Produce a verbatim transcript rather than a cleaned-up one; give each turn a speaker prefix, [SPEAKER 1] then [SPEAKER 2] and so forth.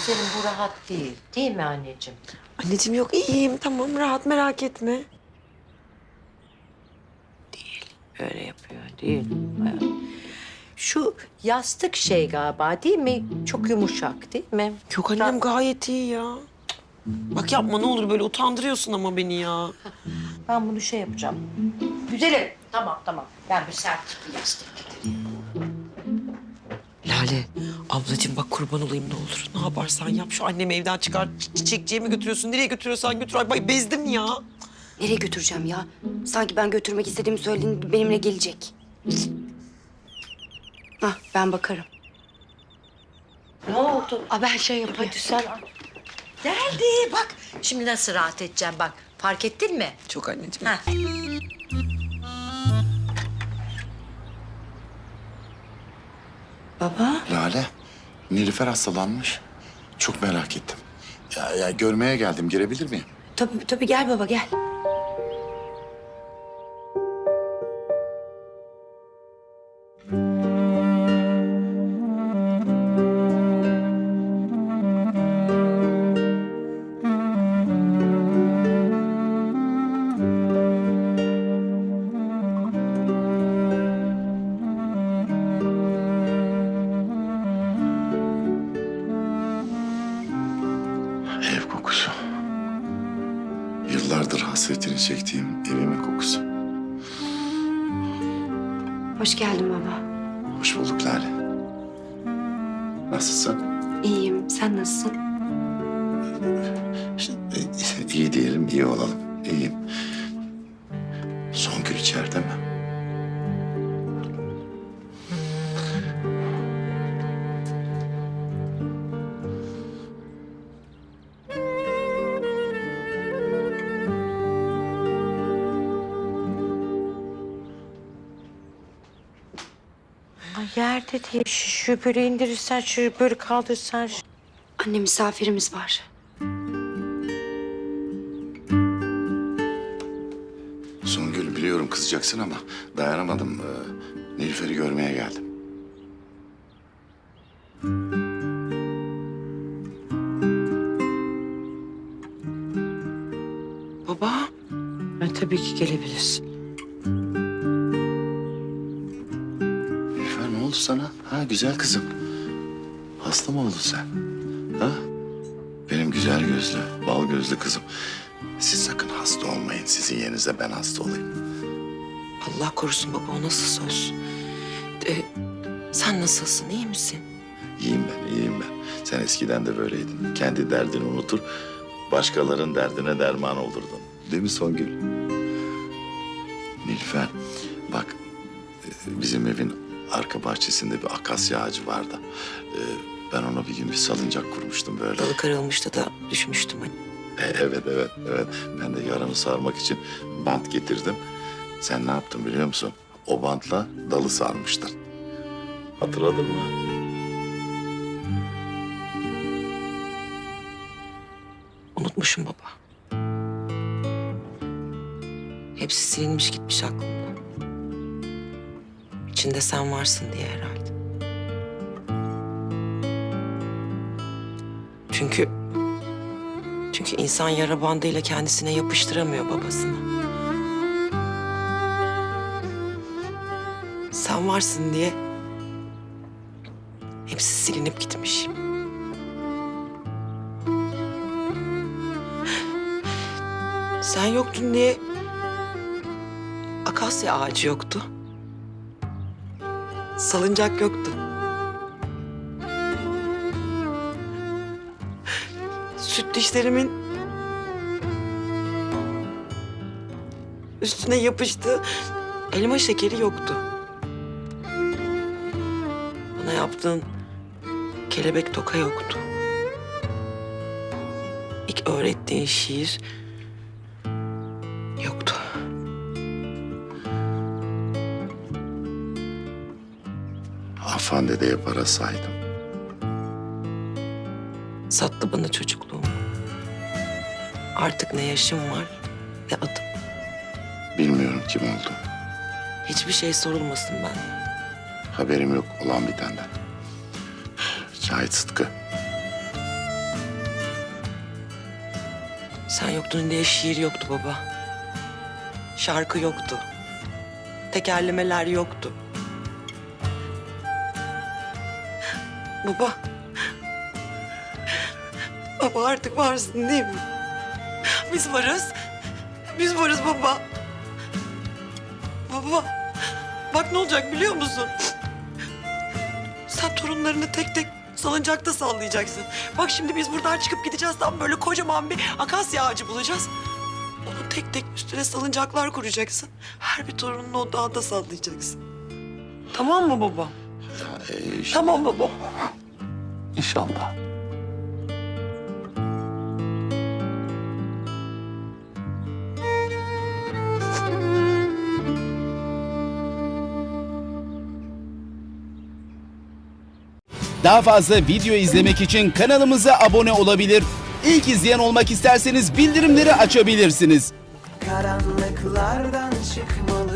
[SPEAKER 1] senin bu rahat değil. Değil mi anneciğim?
[SPEAKER 2] Anneciğim yok iyiyim tamam rahat merak etme.
[SPEAKER 1] Öyle yapıyor değil mi? Şu yastık şey galiba değil mi? Çok yumuşak değil mi?
[SPEAKER 2] Yok annem gayet iyi ya. Bak yapma ne olur böyle utandırıyorsun ama beni ya.
[SPEAKER 1] Ben bunu şey yapacağım. Güzelim. Tamam tamam. Ben bir sert bir yastık getireyim.
[SPEAKER 2] Lale ablacığım bak kurban olayım ne olur. Ne yaparsan yap şu annemi evden çıkar. Çi- Çiçekçiye mi götürüyorsun? Nereye götürüyorsan götür. Ay bay bezdim ya.
[SPEAKER 3] Nereye götüreceğim ya? Sanki ben götürmek istediğimi söylediğin benimle gelecek. Hah, ben bakarım.
[SPEAKER 1] Ne oldu?
[SPEAKER 3] Aa, ben şey yapayım.
[SPEAKER 1] Hadi sen. Geldi bak. Şimdi nasıl rahat edeceğim bak. Fark ettin mi?
[SPEAKER 2] Çok anneciğim.
[SPEAKER 1] Ha.
[SPEAKER 3] Baba.
[SPEAKER 4] Lale, Nilüfer hastalanmış. Çok merak ettim. Ya, ya görmeye geldim. Girebilir miyim?
[SPEAKER 3] Tabii tabii gel baba gel.
[SPEAKER 4] Ev kokusu. Yıllardır hasretini çektiğim evimin kokusu.
[SPEAKER 3] Hoş geldin baba.
[SPEAKER 4] Hoş bulduk Lale. Nasılsın?
[SPEAKER 3] İyiyim. Sen nasılsın?
[SPEAKER 4] İşte, e, iyi diyelim, iyi olalım. İyiyim. Songül içeride mi?
[SPEAKER 1] Ay yerde değil. Şu, şu böyle indirirsen, şu böyle kaldırsan. şu-
[SPEAKER 3] Anne misafirimiz var.
[SPEAKER 4] Songül biliyorum kızacaksın ama dayanamadım. Ee, Nilüfer'i görmeye geldim.
[SPEAKER 2] Baba.
[SPEAKER 1] Ha, tabii ki gelebilirsin.
[SPEAKER 4] Nilüfer ne oldu sana? Ha güzel kızım. Hasta mı oldun sen? Ha? Benim güzel gözlü, bal gözlü kızım. Siz sakın hasta olmayın. Sizin yerinize ben hasta olayım.
[SPEAKER 2] Allah korusun baba o nasıl söz? Ee, sen nasılsın iyi misin?
[SPEAKER 4] İyiyim ben, iyiyim ben. Sen eskiden de böyleydin. Kendi derdini unutur, başkalarının derdine derman olurdun. Değil mi Songül? Nilüfer, bak e, bizim evin arka bahçesinde bir akasya ağacı vardı. E, Ben ona bir gün bir salıncak kurmuştum böyle.
[SPEAKER 2] Dalı kırılmıştı da düşmüştüm hani.
[SPEAKER 4] E, Evet, evet, evet. Ben de yaramı sarmak için bant getirdim. Sen ne yaptın biliyor musun? O bantla dalı sarmıştın. Hatırladın mı?
[SPEAKER 2] Unutmuşum baba. Hepsi silinmiş gitmiş aklımdan. İçinde sen varsın diye herhalde. Çünkü... Çünkü insan yara bandıyla kendisine yapıştıramıyor babasını. Sen varsın diye... Hepsi silinip gitmiş. Sen yoktun diye... Akasya ağacı yoktu. Salıncak yoktu. Süt dişlerimin üstüne yapıştı elma şekeri yoktu. Bana yaptığın kelebek toka yoktu. İlk öğrettiğin şiir yoktu.
[SPEAKER 4] Afan dedeye para saydım.
[SPEAKER 2] Sattı bana çocukluğumu. Artık ne yaşım var ne adım.
[SPEAKER 4] Bilmiyorum kim oldu.
[SPEAKER 2] Hiçbir şey sorulmasın benden.
[SPEAKER 4] Haberim yok olan bitenden. Cahit Sıtkı.
[SPEAKER 2] Sen yoktun diye şiir yoktu baba. Şarkı yoktu. Tekerlemeler yoktu. Baba. Baba artık varsın değil mi? Biz varız. Biz varız baba. Baba. Bak ne olacak biliyor musun? Sen torunlarını tek tek salıncakta sallayacaksın. Bak şimdi biz buradan çıkıp gideceğiz. Tam böyle kocaman bir akasya ağacı bulacağız. Onu tek tek üstüne salıncaklar kuracaksın. Her bir torununu o dağda sallayacaksın. Tamam mı baba?
[SPEAKER 4] Ya, e, işte-
[SPEAKER 2] Tamam baba.
[SPEAKER 4] İnşallah.
[SPEAKER 5] Daha fazla video izlemek için kanalımıza abone olabilir. İlk izleyen olmak isterseniz bildirimleri açabilirsiniz.
[SPEAKER 6] Karanlıklardan çıkmalı